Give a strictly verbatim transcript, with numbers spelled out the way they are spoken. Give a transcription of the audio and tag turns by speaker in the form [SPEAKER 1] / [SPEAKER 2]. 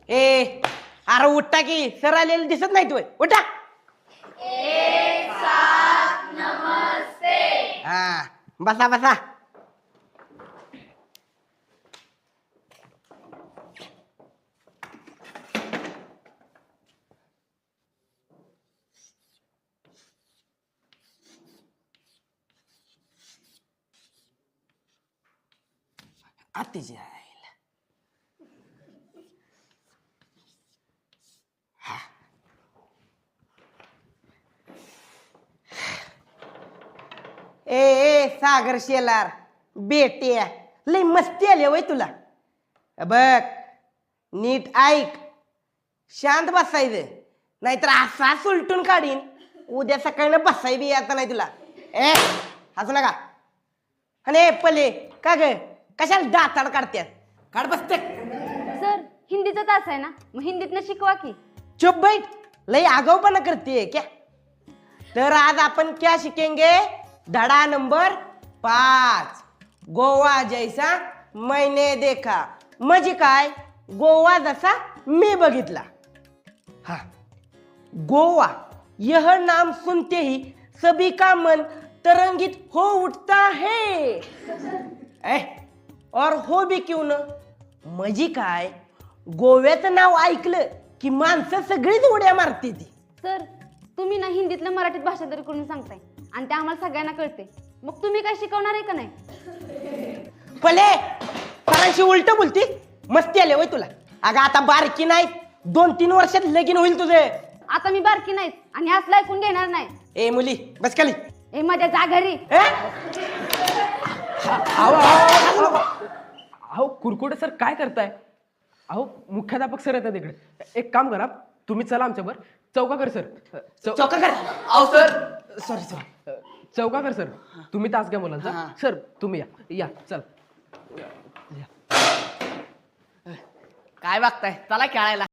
[SPEAKER 1] ए अरे उठा की सर आलेले दिसत नाही तू उठा.
[SPEAKER 2] एक साथ नमस्ते.
[SPEAKER 1] हा बसा बसा. आत्तीची आईला ए ए सागर शेलार बेटे लय मस्ती आली वय तुला. बघ नीट ऐक शांत बसायचं नाहीतर असा सुलटून काढीन उद्या सकाळी बसाय बी आता नाही तुला. ए हसू नका. आणि पले का ग कशाला दाताड काढत्यात काढ बसते.
[SPEAKER 3] सर हिंदीचा तास आहे ना मग हिंदीतनं शिकवा की.
[SPEAKER 1] चुप बैठ लय आगाऊपणा करते क्या. तर आज आपण क्या शिकेंगे धडा नंबर पाच गोवा जैसा मैंने देखा. म्हणजे काय गोवा जसा मी बघितला. हा गोवा यह नाम सुनते ही सभी का मन तरंगित हो उठता है. ए, और हो भी क्यों न. म्हणजे काय गोव्याचं नाव ऐकलं की माणसं सगळीच उड्या मारते ती.
[SPEAKER 3] सर तुम्ही ना हिंदीतलं मराठीत भाषांतर करून सांगताय आणि ते आम्हाला सगळ्यांना कळते. मग तुम्ही काय शिकवणार आहे का नाही.
[SPEAKER 1] पले सरांशी उलट बोलती मस्ती आले वय तुला. अगं आता बारकी नाही दोन तीन वर्षात लगीन होईल तुझे.
[SPEAKER 3] आता मी बारकी नाहीच आणि असलं ऐकून घेणार नाही.
[SPEAKER 1] ए मुली बस खाली.
[SPEAKER 3] ए माझ्या जा घरी.
[SPEAKER 4] अहो कुरकुटे सर काय करताय. अहो मुख्याध्यापक सर येतात इकडे. एक काम करा तुम्ही चला आमच्यावर. चौकाकर सर चौ-
[SPEAKER 1] चौका कर.
[SPEAKER 4] अहो सर
[SPEAKER 1] सॉरी सॉरी.
[SPEAKER 4] चौकाकर सर तुम्ही तास घ्या मुलांचा.
[SPEAKER 1] हा.
[SPEAKER 4] सर तुम्ही या या चल.
[SPEAKER 5] काय बघताय चला खेळायला.